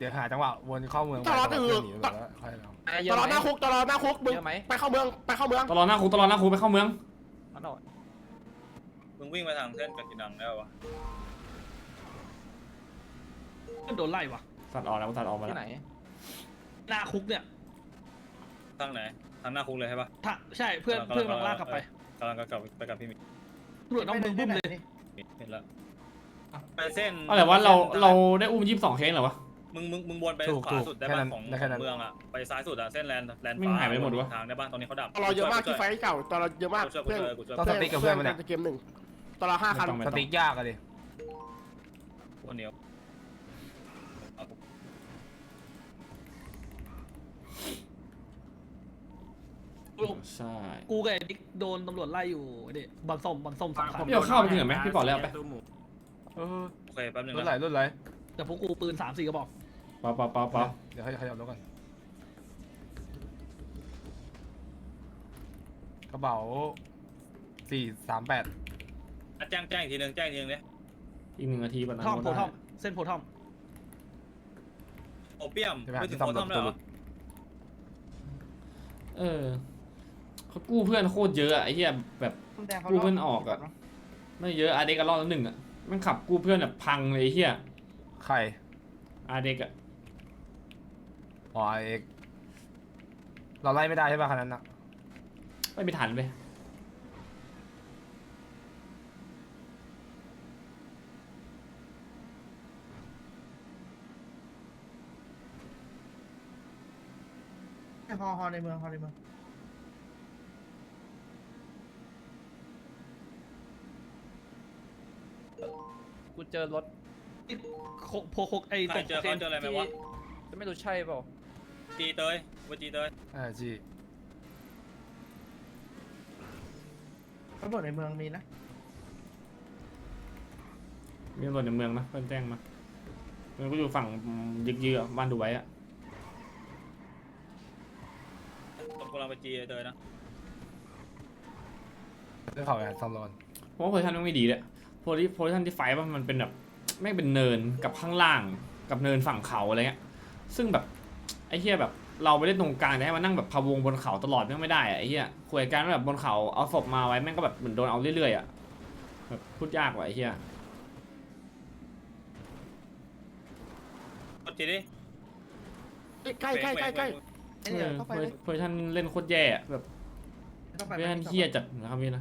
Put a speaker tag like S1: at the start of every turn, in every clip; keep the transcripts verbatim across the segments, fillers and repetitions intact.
S1: ดี๋ยวหาจังหวะวนเข้าเมือง
S2: ตลอด
S1: ไป
S2: อื
S1: เพื่
S2: อ
S1: อนหนีไปแล้วค่อยเอา
S2: ตลอดหน้าคุกตลอดหน้าคุกมึงไปเข้าเมืองไปเข้าเมือง
S3: ตลอดหน้าคุกตลอดหน้าคุกไปเข้าเมือง
S4: มึงวิ่งมาทางเส้นกากินังแล้ววะ
S5: โดนไล่วะ
S3: ตัดออกแล้วตัดออกมาแล้ว
S5: หน้าคุกเนี่ย
S4: ทางไหนทางหน้าคุกเลยใช่ปะ
S5: ถ้าใช่เพื่อนเพื่อนกำลังลากกลับไป
S4: กำลังกลับไปกับพี่มิ
S5: ตำรวจต้องมึงบึ้มเลย
S4: เห็นแล้วไปเส้น
S3: อะไรวะเราเราได้อุ้มยี่สิบสองเคสเหรอวะ
S4: มึงมึงมึงวนไปขวาสุดได้ป่ะของเมืองอ่ะไปซ้ายสุดอ่ะเส้นแลนด์แลนด์ฟ้าทางได้ป่ะตอนนี้เขาดับ
S2: ตลอดเยอะมากที่ไฟเก่าตลอดเยอะมากเพื่อน
S1: ต้องสติ๊กกับเพื่อนมันเนี่ย
S2: เกมหนึ่งตลอดห้าคัน
S1: สติ๊กยากอะดิ
S4: คนเดียว
S3: ใช่
S5: กูกับไอ้บิ๊กโดนตำรวจไล่อยู่ดิบอลส้มบอลส้มสามคัน
S3: พี่เอาข้าวไปถึงไหมพี่บอกแล้วไป
S1: เออ
S4: โอเคแป๊บนึง
S1: รุ่นไหลรุ่นไหล
S5: แต่พวกกูปืนสามสี่กระบอก
S3: ป๊อปป๊อปป๊อปป๊อป
S1: เดี๋ยวให้ขยับรถก่อนกระเป๋าสี่สามแปด
S4: แจ้งแจ้งอีกทีนึงแจ้งอีกทีนึงเนี่ย
S3: อีกหนึ่งนาทีปันนั้น
S5: ท่อมโพท่อมเส้นโพท่อม
S4: โอเปียม
S1: ใช่ไหม
S4: ไม่ถึง
S1: ที่
S4: โค
S1: ทำ
S4: ตรเลยเหรอ
S3: เออเขากู้เพื่อนโคตรเยอะอะไอ้เหี้ยแบบกู้เพื่อนออกอะไม่เยอะอาเด็กก็รอดแล้วหนึ่งอะมันขับกู้เพื่อนแบบพังเลยไอ้เหี้ย
S1: ใคร
S3: อาเด็กอะ
S1: อ๋อเอกเราไล่ไม่ได้ใช่ป่ะคันนั้นอะ
S3: ไม่ไปทันไป
S2: ฮอฮอในเมืองฮอในเมือง
S6: กูเจอรถ
S5: โพโคไอ้
S4: ใคร
S5: ตก
S4: เจอเขาเจออะไรไหมวะ
S6: จะไม่รู้ใช่เปล่า
S4: จีเตยว่าจีเตย
S1: อ่าจี
S2: ตำรวจในเมืองมีนะ
S3: มีตำรวจในเมืองนะเพื่อนแจ้งมามันก็อยู่ฝั่งยึกยือบ้านดูไว้อะ
S4: ผมกำลังไปจีเตยนะ
S1: เรื่องเขาแอบซัมรอน
S3: เพราะว่าโพซิชันมันไม่ดีเลยโพซิโพซิชันที่ไฟว่ามันเป็นแบบแม่งเป็นเนินกับข้างล่างกับเนินฝั่งเขาอะไรเงี้ยซึ่งแบบไอ้เหี้ยแบบเราไปเล่นตรงกลางแต่ให้มานั่งแบบพะวงบนเขาตลอดแม่งไม่ได้อะไอ้เหี้ยคุยกันแบบบนเขาเอาศพมาไว้แม่งก็แบบเหมือนโดนเอาเรื่อยๆอะแบบพูดยากว่ะไอ้เหี้ย
S4: กดจีดิ
S2: ใกล้ใกล้ใกล้ใกล้
S3: เออโพซิชันเล่นโคตรแย่อะแบบโพซิชันเหี้ยจัดนะครับพี่นะ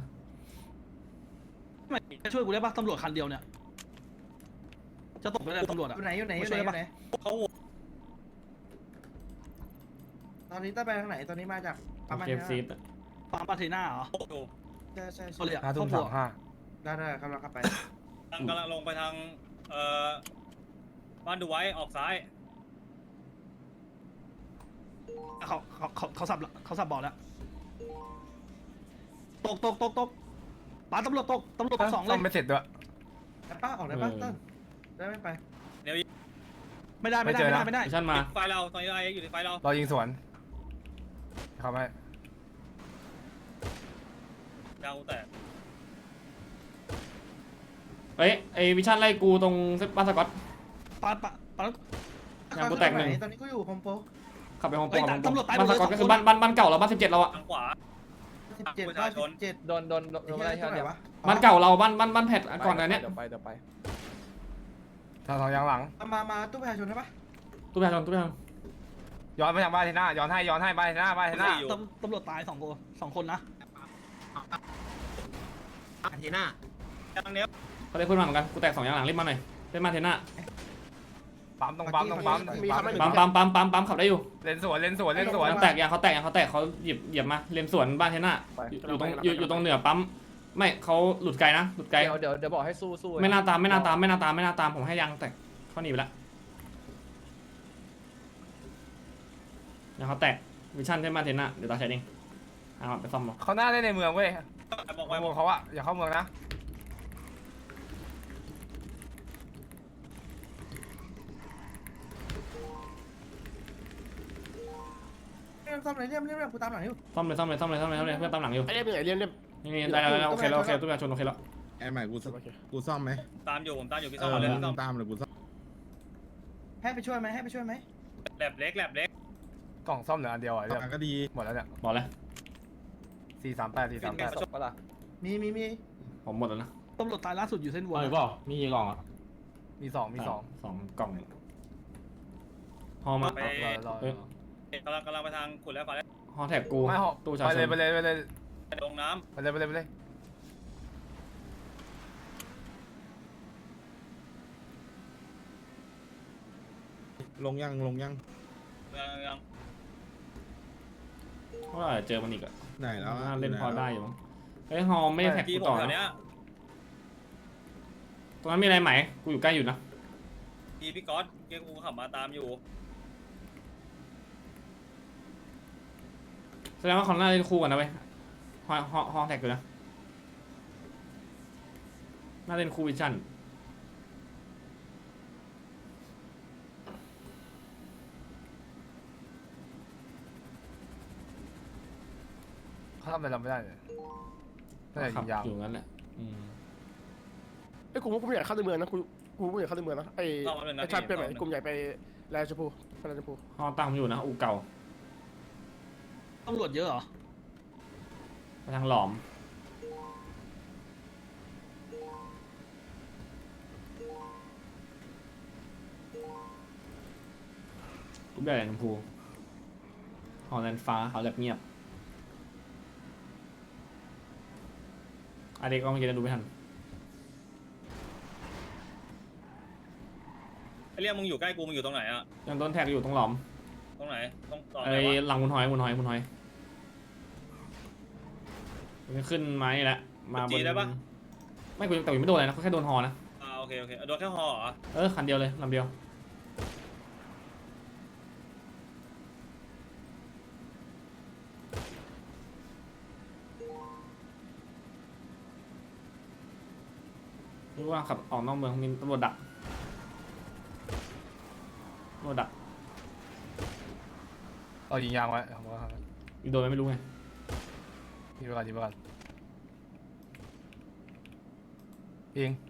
S5: ช่วยกูได้ปะตำรวจคันเดียวเนี่ยจะตกไปเลยตำรวจอะ
S2: อยู่ไหนอยู่ไหนอยู่ไหนอยู่ไหน
S4: เขา
S2: ตอนนี้ต้องไปทางไหนตอนนี้มาจาก
S3: เกมซีดอะ
S5: ปามปาเทน่าเหรอ
S4: โอ้
S2: ใช่ใช่
S5: เขาเรียก
S1: ห้าทุ่ม
S5: คร
S1: สา
S5: อบครัว
S1: มห้า
S2: ได้ได้กำลังขับไป
S4: กำลังลงไปทางเอ่อบ้านดูไว้ออกซ้าย
S5: เขาเขาเขาเขาสับเขาสับบอกแล้วตกตกตกตกปาตำรวจตกตำรวจตกสองเล
S1: ต้
S5: ย
S1: องไม่เสร็จด้วย
S2: ได้ป้าออกได้ป้าต้นได้ไม่ไป
S5: ไม่ได้ไม่ได้ไม่ได้ไม่ได้
S3: โพซิชันมา
S4: ไฟเราตอนนี้ไออยู่ในไฟเรา
S1: เรายิงสวนเข้าไป
S4: ดาวแต่
S3: เอ้ยไอวิชั่นไล่กูตรงบ้านสกอต
S5: ปาปาปา
S3: อย่างกูแตกหนึ่ง
S2: ตอนนี้กูอยู่โฮมโปร
S3: ขับไปห้อง
S5: เฮ้ย
S3: ปอ
S5: ตำรวจตายหม
S3: บ้า
S5: ด
S3: น
S5: เลย
S3: สกอตก็คือ
S5: สองคน
S3: บ้านบ้านบ้านเก่าเราบ้านสิบเจ็ดเราอะ
S4: ทางขวา
S2: สิบเจ็ดบ้านสิบเจ็ด
S6: โดนโดนโดนโดนอะไรใช่ไหม
S2: วะ
S3: บ้านเก่าเราบ้านบ้านบ้านแพทก่อนอันเนี้ย
S6: เดี๋ยวไปเดี๋ยวไป
S1: ทางสองยางหลัง
S2: มามาตู้ประชาชนใช่ปะ
S3: ตู้ประชาชนตู้ประชาชน
S1: ย้อนไปทางบ้านเทน่าย้อนให้ย้อนให้บ้านเทน่าบ้านเทน่า
S5: ตำตำรวจตายสองคนสองคนนะ
S2: อาทีน่า
S4: ทางเนี้ย
S3: เขาได้ขึ้นมาเหมือนกันกูแตกสองอย่างหลังรีบมาหน่อยเล่นมาเทน่า
S1: ปั๊มตรงปั๊มตรงปั๊ม
S3: ปั๊มปั๊มปั๊มปั๊มปั๊มขับได้อยู่
S1: เลนสวนเลนสวนเลนสวน
S3: แตกยางเขาแตกยางเขาแตกเขาหยิบหยิบมาเลนสวนบ้านเทน่าอยู่ตรงอยู่อยู่ตรงเหนือปั๊มไม่เขาหลุดไกลนะหลุดไกล
S6: เดี๋ยวเดี๋ยวเดี๋ยวบอกให้สู้สู้
S3: ไม่น่าตามไม่น่าตามไม่น่าตามไม่น่าตามผมให้ยางแตกเขาหนีไปละยางเขาแตกวิชั่นใช่ไหมเทน่าเดี๋ยวตาใช้เองเอาไปซ่อมมา
S1: เขาหน้าได้ในเมืองเว้ย
S4: บอก
S1: ไป
S4: ไว้
S1: เมืองเขาอะอย่าเข้าเมืองนะ
S2: เรียมซ่อมไหนเรียมเรียมเรียมกูตามหลังอยู่
S3: ซ่อมเลยซ่อมเลยซ่อมเลยซ่อมเลยซ่อมเลยเพื่อนตามหลังอยู่
S2: ไอเรียมอยู่ไหนเรียมเรียม
S3: นี่นี่ได้แล้วได้แล้วโอเคแล้วโอเคตู้ประชาชนโอเคแล้ว
S7: ไอ้ใหม่กูซ่อมกูซ่อมไหม
S4: ตามอยู่ผมตามอยู่พี่
S7: เอ
S4: ซ่อม
S7: อ
S4: เลย
S7: มึ
S4: ซ่อม
S7: งตามเลยกูซ่อม
S2: ให้ไปช่วยไหมให้ไปช่วยไหม
S4: แลบเล็กแลบเล็ก
S1: กล่องซ่อมเหลืออันเดียวอ่ะเรียบ
S7: ก็ดี
S1: หมดแล้วเนี่ย
S3: บอกเลย
S1: สี่สามแปดสี่สามแปด
S6: ศพปะล่ะ
S2: มีมีมี
S3: ผมหมดแล้วนะ
S5: ตำรวจตายล่าสุดอยู่เส้นวัว
S8: เอาหรือเปล่ามีกี่กล่องอ่ะ
S1: มีสองมีสอง
S3: สองกล่องฮอมา
S4: ไป
S1: รอรอ
S3: เอ้ย
S4: กำลังกำลังไปทางขุดแล้วก่อนแล้ว
S3: ฮอแท็กกู
S1: ไม่หอก
S3: ตู้ชา
S1: ไป
S3: ช
S1: เลย
S3: น
S1: ไปเลยไปเลย
S4: ลงน้
S1: ไปเลยไปเลยไปเลย
S7: ลงยังลงยัง
S4: ำยังยัง
S3: เพราะว่าเจอมันอีกอะ
S7: ไหนแล้ว
S3: น่าเล่นพอได้อยู่มั้งเฮ้ยฮอไม่ได้แท็ก
S4: ที
S3: กู
S4: ผม
S3: ต่อ
S4: แถว
S3: นะ
S4: เนี้ย
S3: ตรงนั้นมีอะไรไหมกูอยู่ใกล้อยู่นะ
S4: ทีพี่ก๊อตเกียร์กูขับมาตามอยู่
S3: แสดงว่าเขาน่าเล่นคู่กันนะเว้ยฮอฮอฮอแท็กอยู่นะน่าเล่นคู่วิชั่น
S1: เขาทำอะไรเราไม่ได้เลยน่าจะ
S3: ขั
S1: ยิงยาว
S3: อยู่งั้นแหละอืม
S9: ไอ้ยกูว่ากูไม่อยากเข้าในเมืองนะกูกูไม่อยากเข้าในเมืองนะไอ้
S4: ต้องมาหนึ่งนะ
S9: ไอ้ชาติ
S4: พี่
S9: เป็นไหน
S4: ต้อง
S9: กลุ่มใหญ่ไปแลนด์ชมพูไปแลนด์ชมพู
S3: ฮอตั้งผมอยู่นะอูเก่า
S5: ตำรวจเยอะเหรอ
S3: ไปทางหลอมกูได้แหลมชมพูฮอแลนด์ฟ้าเขาแลบเงียบอะเด็กก็เมื่อกี้ดูไม่ทัน
S4: ไอเรียกมึงอยู่ใกล้กูมึงอยู่ตรงไหนอะ
S3: ยังต้นแท็กอยู่ตรงหลอม
S4: ตรงไหนตรงต่อไหน
S3: ไอ้
S4: วะ
S3: หลังมุนหอยมุนหอยมุนหอยมันขึ้นไม้แล้วมาบนไม่กูแต่ยังไม่โดนเลยนะเขาแค่โดนฮอนะ
S4: อ่าโอเคโอเคโดนแค่หอเหรอ
S3: เออคันเดียวเลยลำเดียวรู้ว่าขับออกนอกเมืองมีตำรวจดักตำรวจดัก
S1: เรายิงยางไว้ผมว่า
S3: ยิงโดนไหมไม่รู้ไง
S1: ยิงไปก่อนยิงไปก่อนยิง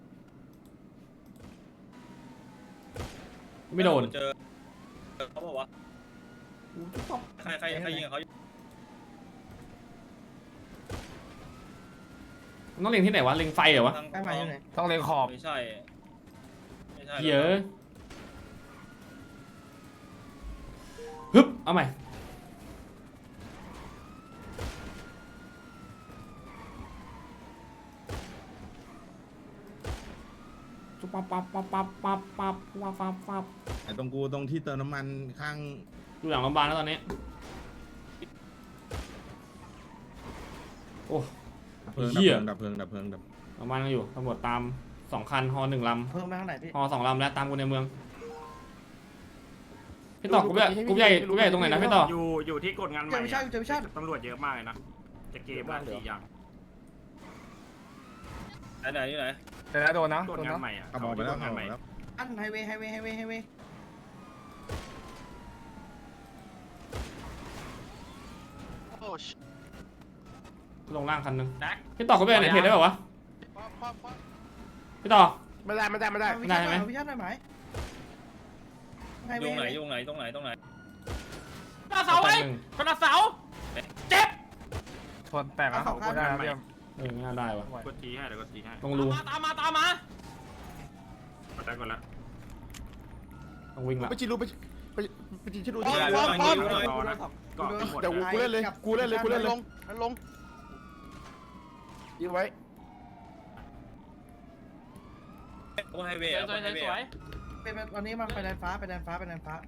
S3: ไม่โดน
S4: เจอเขาบอกว่าใครใครใครยิงกับเขาอยู่
S3: มันต้องเล็งที่ไหนวะเล็งไฟเหรอวะ
S4: ทาง
S2: ไปมาอยู่ไหน
S1: ต้องเล็งขอบ
S4: ไม่ใช่ไม่ใช่
S3: เหี้ยอะฮึบเอาใหม่จุ๊บปั๊บปั๊บปั๊บปั๊บปั๊บปั๊บปั๊บปั๊บปั๊บ
S7: ไอ้ตรงกูตรงที่เติมน้ำมันข้าง
S3: อยู่หลังโรงพยาบาลแล้วตอนนี้โอ้
S7: เพลิง
S3: เหี้ย
S7: ดับเพลิงดับเพลิงดับ
S3: โรงพยาบาลยังอยู่ตำรวจตามสองคันฮอหนึ่งล
S2: เพิ่มไปข้างไหนพี่
S3: ำฮอสองลำแล้วตามกูในเมืองพี่ต่อกูใหญ่กูใหญ่กูใหญ่ตรงไหนนะพี่ต่อ
S8: อยู่อยู่ที่กดงานให
S2: เจ
S8: ม่
S2: อวิชาเจอวิชา
S8: ตำรวจเยอะมากเลยนะจะเกมบ้านสี่อย่าง
S4: ไหนไหนอยู่ไหน
S1: แต่แล้วโดนนะ
S8: กด
S1: โดน
S8: งาน
S1: นะ
S8: ใหม่อ่ะ
S7: ขับออกไปแล้ว
S8: กด
S7: ขั
S8: งา
S7: บ
S8: น
S7: อ
S8: ให
S7: อก
S8: ม่
S7: แล้ว
S2: อันไฮเวย์ไฮเวย์ไฮเวย์ไฮเวย์
S3: ลงล่างคันหนึงพี่ต่อกูไปไหนเพจได้ป่าวะพี่ต่อ
S9: ไม่ได้ไม่ได้ไม่ได้
S2: วิชาหน่อยวิชาหน่อยไหมไฮ
S4: อ
S2: เว
S4: ยู่
S2: ย์
S4: ไหนอยู่ไหนตรงไหนตรงไหน
S5: กระเสาไว้กระเสาเจ็บ
S1: ชนแตกนะไม่ได้นะเรียม
S3: เออไม่น่าได้วะ
S8: กดทีให้เดี๋ยวกดทีให้
S3: ลงรู
S5: ตามมาตามมา
S8: กดได้กดแล้ว
S3: ต้องวิ่งละ
S9: ไปจีรูไปไปไปจีรู
S2: ป้
S9: ที่
S2: อน
S4: ได้
S2: ป้อนป้อน
S4: ได้
S8: รอนะก็หมด
S9: เดี๋ยวกูเล่นเลยกูเล่นเลยกูเล่นเลยนั่นลงยิงไว้
S4: ตรงไฮเวย์อะตรงไฮเวย์อะ
S2: เป็นวันนี้มาไปแดนฟ้าไปแดนฟ้าไปแดนฟ้า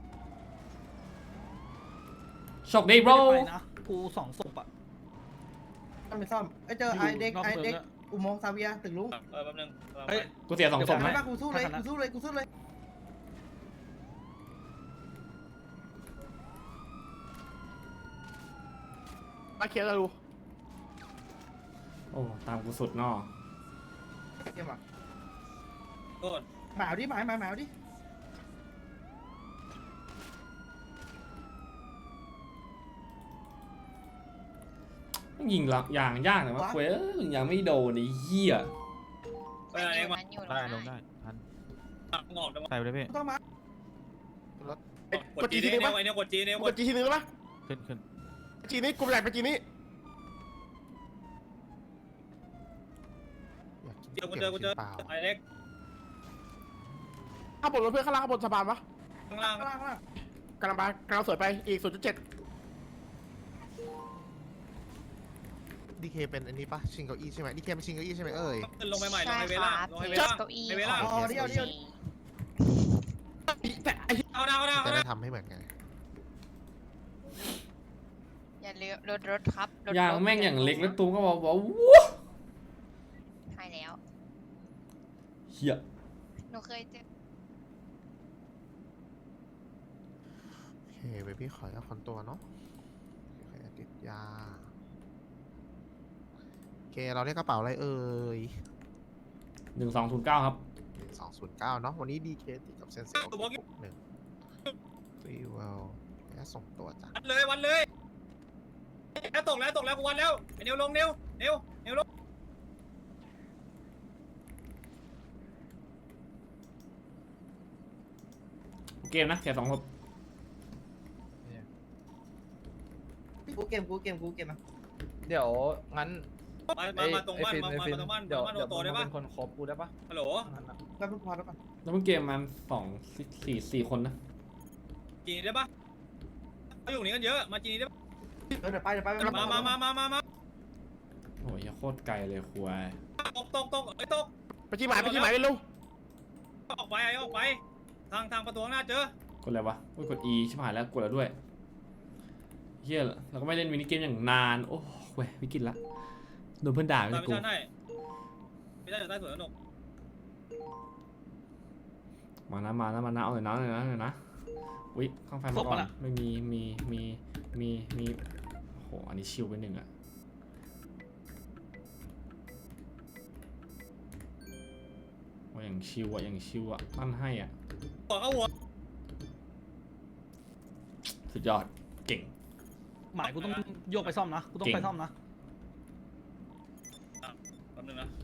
S3: โชคดีโบร
S5: ไปนะกูสองศพอ่ะ
S2: ต้องไปซ่อมไอเจอไอเด็กไอเด็กอุโมงค์ซาเวียตึกลุง
S4: เออแป๊บนึง
S5: เฮ้ย
S3: กูเสียสองศพ
S2: ไม่
S3: นะ
S2: ว่ากูสู้เลยกูสู้เลยกูสู้เลย
S9: มาเคลียร์แล้วดู
S3: โอ้ตามกูสุดนอ
S2: เกี่ยมอ่ะ
S4: โทษ
S2: หมาดิหมาหมาหมาดิ
S3: ยิงหลักอย่างยากแต่ว่าเว้ยยังไม่โดนไอ้เหี้ย
S4: ไปไหนเองมา
S10: ได้ลงได้ทัน
S4: งอกจังวะ
S10: ใส่ไปเลยพี่
S2: ต้องมา
S4: กดจี
S9: ที
S4: นี่
S9: นึง
S4: เนี่
S9: ปะ
S4: ยไอ้เนี่ยกดจีเนี่ย
S9: กดจีทีนึงได้ปะ
S5: ขึ้นขึ้น
S9: จีนี้กูแหลกไปจีนี้
S4: เจอกูเจอกูเจอไอเอ็ก
S9: ข้างบนรถเพื่อนข้างล่างข้างบนสะพานปะ
S4: ข้างล่าง
S2: ข้างล่างข้างล่าง
S9: กำลังไปกำลังสวยไปอีกศูนย์จุดเจ็ด
S10: ดีเคเป็นอันนี้ปะชิงเก้าอี้ใช่ไหมดีเคเป็นชิงเก้าอี้ใช่ไหมเอ่ย
S4: ขึ้นลงไปใหม่ลงไฮเวล่างลงไฮเวล่างไฮเวล่าง
S2: อ๋อเดียวเดียว
S9: แต่ไอ้
S4: เอาหน้าเอาหน้า
S10: จะ
S4: เอาห
S10: ได้
S4: น้า
S10: ทำให้เหมือนกัน
S11: อย่าเลี้ยวรถรถครับรถ
S3: ยาง
S11: รถ
S3: แม่งอย่างเล็กแล้วตูมก็บอกว่าว้า
S11: ใช่แล้ว
S3: เฮีย
S11: หนูเคยเจอ
S10: โอเคเบบี้ขอเอาคอนตัวเนาะโอเคติดยาโอเคเราได้กระเป๋าอะไรเอ่ย
S3: หนึ่งสองศูนย์เก้าครับ
S10: หนึ่งสองศูนย์เก้าเนาะวันนี้ดีเคติดกับเซนเซลหนึ่งรีเวลและส่งตัวจ้ะ
S4: วันเลยวันเลยแล้วตกแล้วตกแล้วกูวันแล้วไอเนียวลงเนียวเนียวเนียวลง
S3: เกมนะแค่สองคน
S2: กูเกมกูเกมกูเกมมา
S6: เดี๋ยวงั้น
S4: มามามาตรงบ้านมามาตรงบ้าน
S6: เดี๋ยว
S4: บ้าน
S6: เดี๋ยว
S4: โตได้
S6: มึง
S4: ปะ
S6: เป็นคนครบกูได้ปะ
S4: ฮัลโหล
S2: แป๊บนึงพอแล้วก่อน
S3: แล้วเพิ่งเกมมันสองสี่สี่คนนะ
S4: จีนได้ปะเขาอยู่นี่กันเยอะมาจีนได้ปะ
S2: เดี๋ยวไปเดี๋ยวไป
S4: มามามามามามา
S3: โอ้ยโคตรไกลเลยควาย
S4: ตกตกตกไอ้ตก
S9: ไปจีหมายไปจีหมายเร็ว
S4: ออกไปไอ้ออกไปทางทางประตูข้างหน้าเจอก
S3: ดอะไรวะโอ้ยกด E ชิบหายแล้วกดแล้วด้วยเฮียเราก็ไม่เล่นมินิเกมอย่างนานโอ้เว้ยไม่กินละโดนเพื่อนด่า
S4: ตาม
S3: ไม่
S4: ไม่
S3: กู
S4: ใช่ให้ไม่ได้อยู่ใต้สวนสนุก
S3: มานะมานะมานะเอาหน่อยนะเอาหน่อยนะเอาหน่อยนะอุ้ยข้างไฟมาก่อนไม่มีมีมีมีมีโอ้โหอันนี้ชิวไปหนึ่งอะว่าอย่างชิวอะอย่างชิวอะปั้นให้อะ
S4: หัวเข้าหัว
S3: สุดยอดเก่ง
S5: หมายกูต้องโยกไปซ่อมนะกูต้องไปซ่อมนะ
S4: แป๊บนึงนะ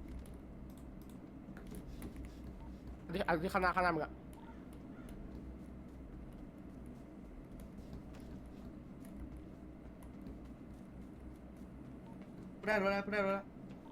S9: ๆที่อันที่ข้างหน้าข้างหน้ามึงอะ
S2: กูได้รถแล้วกูได้รถแล้ว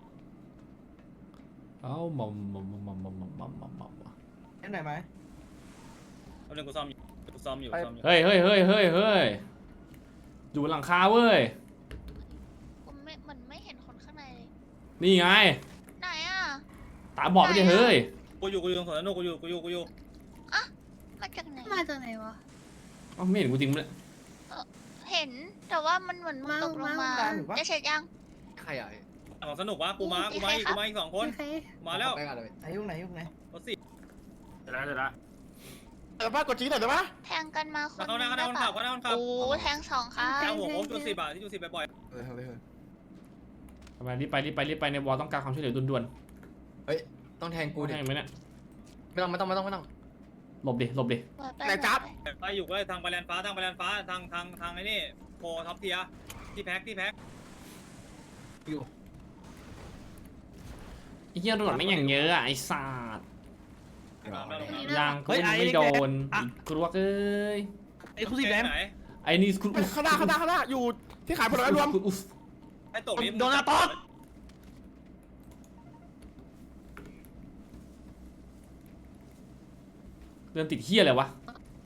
S3: เอ้ามอมมอมมอมมอมมอมมอมมอมมอม
S2: เอ็นไหนไหม
S4: แป๊บนึงกูซ่อมอยู่กูซ่อมอยู่ซ่อมอยู่
S3: เฮ้ยเฮ้ยเฮ้ยเฮ้ยเฮ้ยอยู่บนหลังคาเว้ย
S11: ผมไม่มันไม่เห็นคนข้างในเลย
S3: นี่ไง
S11: ไหนอ่ะ
S3: ตาบอดไปดิเฮ้ย
S4: กูอยู่กูอยู่ตรงสวนสนุกกูอยู่กูอยู่กูอยู่
S11: มาจากไหน
S12: มาจากไหนวะ
S3: เอ้าไม่เห็นกูจริงเลย
S11: เห็นแต่ว่ามันเหมือนมันตกลงมาจะเสร็จยัง
S6: ใครอ่ะ
S4: ของสนุกวะกูมากูมาอีกกูมาอีกสองคน
S12: ใคร
S4: มาแล้ว
S6: ไปกันเลย
S2: ไหนยุคไหนยุคไหน
S4: รถสี่
S8: เสร็จแล้วเสร็จแล้ว
S9: เออป้ากดจีหน่อยได้ปะ
S11: แทงกันมาคน
S4: เขาหน้าเขาหน้าคนขับเขาหน้าคนขับ
S11: โอ้แทงสองค่ะ
S4: แทงหัวโค้งจุดสิบอ่ะที่จุดสิบบ่อย
S6: เออเฮ้ย
S3: ทำไมรีบไปรีบไปรีบไปในวอลต้องการความช่วยเหลือด่วน
S6: เฮ้ยต้องแทง
S3: ๆ
S6: กู
S3: กู
S6: ดิ
S3: แทงไหมเนี่ย
S6: ไม่ต้องไม่ต้องไม่ต้องไม่ต้อง
S3: หลบดิหลบดิ
S9: ไหนจับ
S4: ๆไปอยู่ก็เลยทางไปแลนฟ้าทางไปแลนฟ้าทางทางทางไอ้นี่โพท็อปเทียที่แพ็คที่แพ็ค
S3: ไอ้เหี้ยตำรวจไม่งอย่างเยอะอะไอ้สัตว์ยางกู
S5: เฮ้ยไอ้
S3: ไม่
S5: เล็ก
S3: โด
S5: แดง
S3: น
S5: อ่ะ
S3: กรวกเอ้ย
S5: ไอ้คุณสีแดง
S4: ไหน
S3: ไอ้นี่คุณอุ๊
S9: ข้างหน้าข้างหน้าข้างหน้าอยู่ที่ขายผลไม้รวม
S3: คุณอุ๊
S4: ไอ้ตกนี้
S5: โดนอาต๊อก
S3: เดินติดเหี้ยอะไรวะ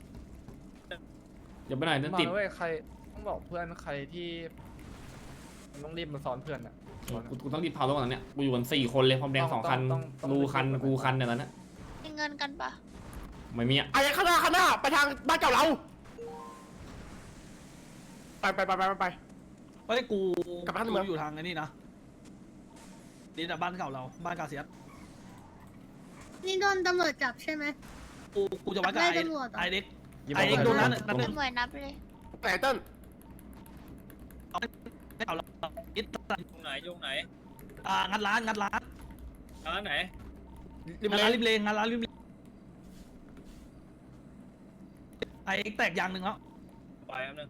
S3: อย่าไปไหนเดิน
S6: มา
S3: ติด
S6: เว้ยใครต้องบอกเพื่อนใครที่มันต้องรีบมาซ้อนเพื่อนอ่ะ
S3: กูกูต้องรีบเผาตัวนั้นเนี่ยกูอยู่กันสี่คนเลยพร้อมแดงสองคัน
S6: ต้องต้อง
S3: รูคันกูคันเนี่ยแล้วนะ
S11: มีเงินกันปะ
S3: ไม่มีอะ
S9: ไอ้ข้างหน้าข้างหน้าไปทางบ้านเก่าเราไปไปไปไปไป
S5: เฮ้ยกู
S9: กลับบ้านเมือง
S5: กูอยู่ทางไอ้นี่นะนี่แต่บ้านเก่าเราบ้านกาเซียส
S12: นี่โดนตำรวจจับใช่ไหม
S5: กูกูจะวัดกับ
S12: ได้
S5: ไอ้
S12: ตำรวจเหรอ
S5: ไอ้เด็ก
S6: ยิ้ม
S5: ไอ้เด็ก
S6: มา
S5: โดน
S6: เลย
S5: นั้นนั่น
S11: ตำรวจนับเลย
S9: ไหนเต้น
S5: เก่าเราอิด
S4: ยุคไหนยุคไหน
S5: อ่างัดร้านงัดร้าน
S4: ร้านไหน
S9: ริม
S5: งัด
S9: เล
S5: ร้าน
S9: น
S5: ริมเลงงัดร้านริมเลงไอ้เอ็กแตกยางหนึ่งแล้ว
S4: ไปแป๊บนึง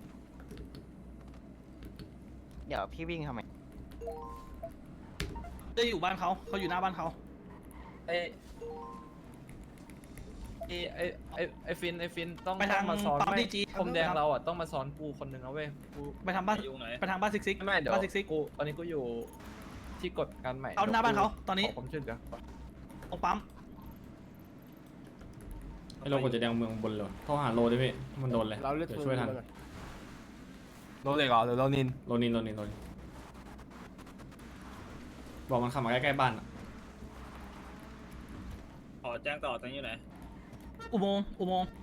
S6: เดี๋ยวพี่วิ่งทำไม
S5: จะอยู่บ้านเขาเขาอยู่หน้าบ้านเขา
S6: ไอไอไอไอไอฟินไอฟินต้อง
S5: ไปทาง
S6: มาซ้อน
S5: ปั๊ม
S6: ไม่
S5: ดีจี
S6: ผมแดงเราอ่ะต้องมาซ้อนกูคนหนึ่งนะเว้ยกู
S5: ไปทางบ้าน
S4: อยู่ไหน
S5: ไปทางบ้านซิกซิก
S6: ไม่ไม่เดี๋ยว
S5: บ้านซิกซิก
S6: กูตอนนี้กูอยู่ที่กดการใหม่
S5: เอาหน้าบ้านเขาตอนนี้
S6: ขผมช่วยเหลือ
S5: ตรงปั๊ม
S3: ไอ้โลกดจะแดงเมืองบนเลยโทรหาโลได้พี่มันโดนเลย
S9: เราเล่น
S3: เดี๋ยวช่วยทัน
S1: โรเล็กเหรอหรือโรนิน
S3: โลนินโลนินโลนินบอกมันขับมาใกล้ๆบ้านอะ
S4: ขอแจ้งต่อตอนนี้อยู่ไหน
S5: อุโมงค์อุโมงค์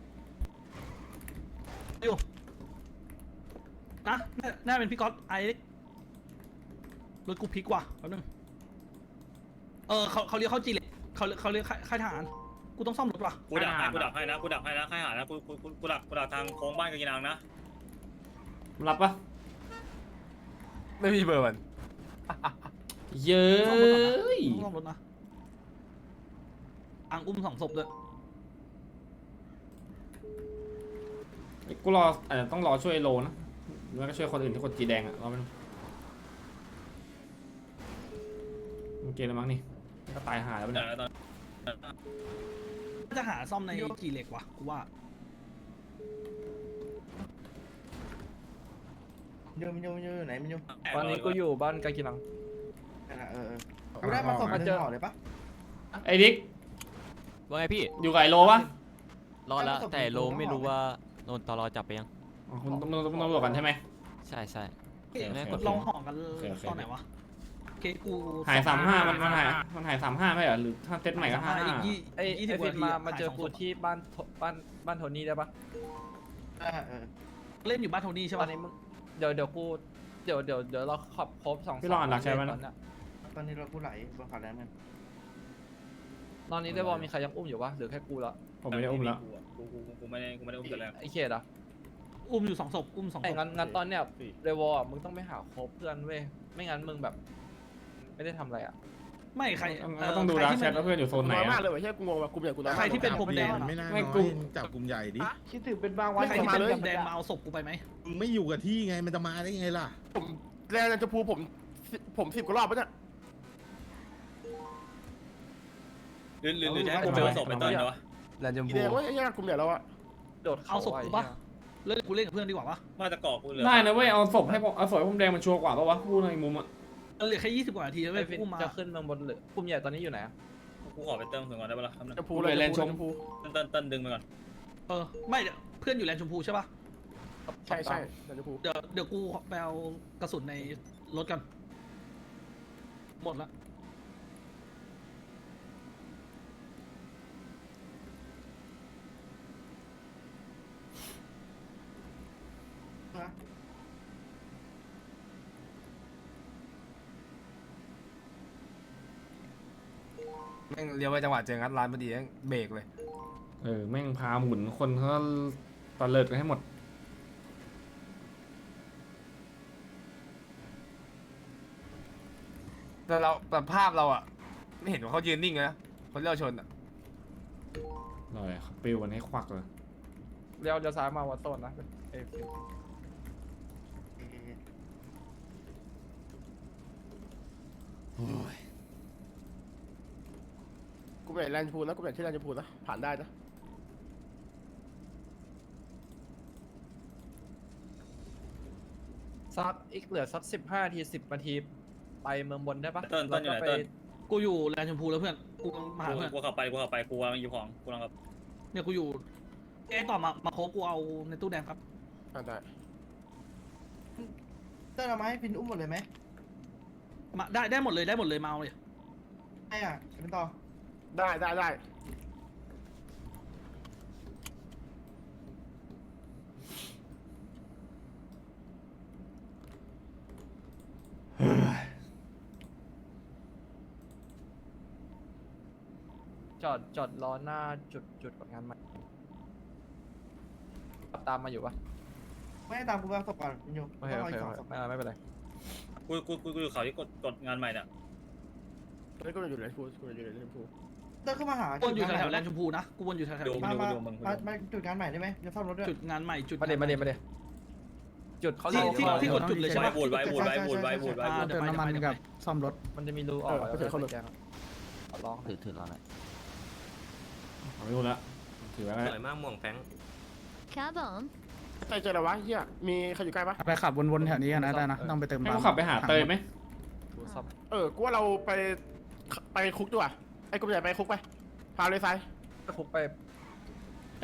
S5: อยู่นะน่าน่าเป็นพี่ก๊อตไอ้รถกูพลิกว่ะแป๊บนึงเออเขาเขาเรียกเข้าจีเลยเขาเขาเรียกค่ายทหารกูต้องซ่อมรถว่ะ
S4: กูดักให้กูดักให้นะกูดักให้นะค่ายหานะกูกูกูกูดักกูดักทางโค้งบ้านกากินังนะ
S3: มันรับปะ
S1: ไม่มีเบอร์มัน
S3: เย้ย
S5: ซ่อมรถนะอังอุ้มสองศพเลย
S3: กูรออาจจะต้องรอช่วยโลนะแล้วก็ช่วยคนอื่นที่กดจีแดงอะรอไปดูมันเกมแล้วมั้งนี่ก็ตายหาแล้ว
S4: เดี๋
S3: เนี่ย
S4: ยวตอน
S5: จะหาซ่อมในจีเหล็กว่ะกูว่า
S2: โยมโยมโยมอยู่ไหนมันโยม
S6: ตอนนี้กูอยู่บ้านกากินัง
S2: เออเออกูได้มาส่งมาเจอห่อเลยปะ
S3: ไอ้ดิ๊ก
S13: ว่าไงพี่
S3: อยู่กับไอ้โลปะ
S13: รอดแล้วแต่โลไม่รู้ว่าโดนตลอจับไปยัง
S3: อ๋อคุณต้องต้องต้องบอกกันใช่ไหม
S13: ใช่ใช่
S5: เอ๊ะ
S13: ไม่กด
S5: ลองห่อกัน
S3: โอเคโอเค
S5: ตอนไหนวะโอเคกู
S3: หายสามห้ามันมันหายมันหายสามห้าไม่เหรอหรือถ้าเซตใหม่ก็ห้า
S5: อีกยี่
S6: ไอ
S5: ยี่
S6: ไอ
S5: สิบ
S6: ฟินมา
S5: นาที
S6: มาเจอกูที่บ้านโทบ้านบ้านโทนี่ได้ปะ
S2: เออเออ
S5: เล่นอยู่บ้านโทนี่ใช่
S6: ตอ
S5: ปะ
S6: นนี้มึงเดี๋ยวเดี๋ยวกูเดี๋ยวเดี๋ยวเดี๋ยวเราขับครบสอง
S3: พี่ลองอ่านหลักใช่ไหม
S6: ต
S3: นะ
S6: อนเนี้ย
S2: ตอนนี้เราผู้ไหลบนขาแรงมัน
S6: ตอนนี้ได้บอลมีใครยังอุ้มอยู่ปะหรือแค่กูละ
S3: ผมไม่ได้อุ้มแล้ว
S4: กูกูกูไม่ได้กูไม่ได้อุ้มแต่แรก
S6: ไอเขตอ่ะ
S5: อุ้มอยู่สองศพอุ้มสองศ
S6: ไอ้
S5: พ
S6: งั้นงั้นตอนเนี้ยเรวอลมึงต้องไปหาครบเพื่อนเว้ยไม่งั้นมึงแบบ ไม่ได้ทำอะไรอ่ะ
S5: ไม่ใคร
S3: ก็ต้องดูดักแชทว่าเพื่อนอยู่โซนไหน
S9: น้อยมาก
S3: อะ
S9: เลยว่ะเฮียกูงงว่ะกลุ่มใหญ่กูน้อย
S5: ใครที่เป็นผมแดง
S7: ไม่น่า
S3: ไม่
S7: น้อย
S3: กลุ่ม
S7: จับกลุ่มใหญ่ดิ
S2: คิดถึงเป็นบางวัน
S5: ใครที่เป็นผมแดงมาเอาศพกูไปไหม
S7: มึงไม่อยู่กับที่ไงมันจะมาได้ไงล่ะ
S9: ผมแรงจะพูผมผมสิบกว่ารอบปะเนี่ย
S4: หรือหรือหรือจะให้กูเจอศพเป็นต้นเหรอวะ
S1: แลนด์จม
S9: อี
S1: พู
S9: แดงว่าไอ้เหี้ยกลุ่มใหญ่เราอะ
S6: โดด
S5: เอาศพกูปะเล่นกูเล่นกับเพื่อนดีกว่าปะ
S4: มาจะเกาะกูเหลือ
S3: ได้นะเว้ยเอาศพให้ผมเอาศพให้ผมแดงมันชัวร์กว่าปะวะพูดในมุมอะ
S5: เหลือแค่ยี่สิบกว่านาทีแล้ว
S6: ไอ
S5: เว้ย
S6: ฟิน
S5: กูมา
S6: จะขึ้นเมืองบนหรือกลุ่มใหญ่ตอนนี้อยู่ไหนอะ
S4: กูขอไปเติมถึงก่อนได้ปะล่ะ
S9: จะพูเลยจะพู
S4: เต้นเต้นเต้นดึงไปก่อน
S5: เออไม่เดี๋ยวเพื่อนอยู่แลนด์ชมพูใช่ปะ
S9: ใช่ใช่จะพู
S5: เดี๋ยวเดี๋ยวกูไปเอากระสุนในรถกันหมดละ
S1: แม่งเลี้ยวไปจังหวะเจองัดร้านพอดีแม่งเบรกเลย
S3: เออแม่งพาหมุนคนเขาตะเลิดกันให้หมด
S1: แต่เราแต่ภาพเราอะไม่เห็นว่าเขายืนนิ่งเลยนะคนที่เราชนอะ
S3: เลยปิวกันให้ควักเลย
S6: เลี้ยวเลี้ยวซ้ายมาวัดโซนนะไอฟิน
S9: กลุ่มใหญ่แรงพูนะกลุ่มใหญ่ที่แรงพูนะผ่านได้นะ
S6: สักอีกเหลือสักสิบห้าทีสิบนาทีไปเมืองบนได้ปะ
S4: เต้นเต้นอยู่ไหน
S6: ไป
S4: เต้น
S5: กูอยู่แลนด์ชมพูแล้วเพื่อนกูมาหา
S4: กู
S5: เพื่อน
S4: กูขับไปกูขับไปกูวางอยู่ของกูลังครับ
S5: เนี่ยกูอยู่เอ้ต่อมามาโคกกูเอาในตู้แดงครับ
S9: ผ่านได้
S2: เต้นเอามาให้พินอุ้มหมดเลยไหม
S5: มาได้ได้หมดเลยได้หมดเลยมาเอาเลย
S2: ใช่อ่ะเป็นต่อ
S9: ได้ได้ได้
S6: จอดจอดรอหน้าจุดจุดกดงานใหม่ขับตามมาอยู่ปะ
S2: ไม่ให้ตามกูไปเอาศพก่อนพินโย
S6: โอเคโอเค
S2: ส
S6: โอ
S2: อง
S6: เค
S2: ศพ
S6: ไม่ไม่เป็นไร
S4: กูกูกูกูอยู่เขาที่กดกดงานใหม่เนี่ย
S9: ตอนนี้กลุ่มใหญ่อยู่แรงพูกลุ่มใหญ่อยู่แรงพู
S2: เต้นขึ้นมาหา
S5: กูวนอยู่แถวๆแลนด์ชมพูนะกูวนอยู่แถวๆ
S4: ดู
S5: นี้
S2: มา
S4: ดู
S2: มา
S4: ดูมึง
S2: มามาจุดงานใหม่ได้ไหมจะซ่อมรถด้วย
S5: จุดงานใหม่จุด
S6: มาเดี๋ยวมาเดี๋ยวมาเดี๋ยวจุดเขา
S5: ที่
S6: เรียก
S5: ที่
S6: ว่า
S5: ที่กดจุดเลยใช่ไหม
S4: บูดไว้บูดไว้บูดไว้บูดไว้
S5: อ่า
S4: บูด
S5: เดี๋ยวไปเดี๋ยวไปเดี๋ยวไป
S9: ซ่อมรถ
S6: มันจะมีรูออกแล้วก็แจ้งลอง
S13: ถือถือรอหน่อย
S3: เอาไม่รู้ละถือไว้
S8: ส
S3: แล้ว
S8: วยมากม่วงแฟง
S11: ครับผม
S9: ใครเจออะไรวะเฮียมีใครอยู่ใกล้ปะ
S1: ไปขับวนๆแถวนี้กันนะได้นะต้องไปเติม
S3: ให้
S1: ปั๊ม
S3: กูขับไปหาเตยไหม
S6: ดูซับ
S9: เออกูว่าเราไปไปคุกดีกว่าไอ้กูใหญ่ไปคุกไปพาเลยซ้าย
S6: คุกไป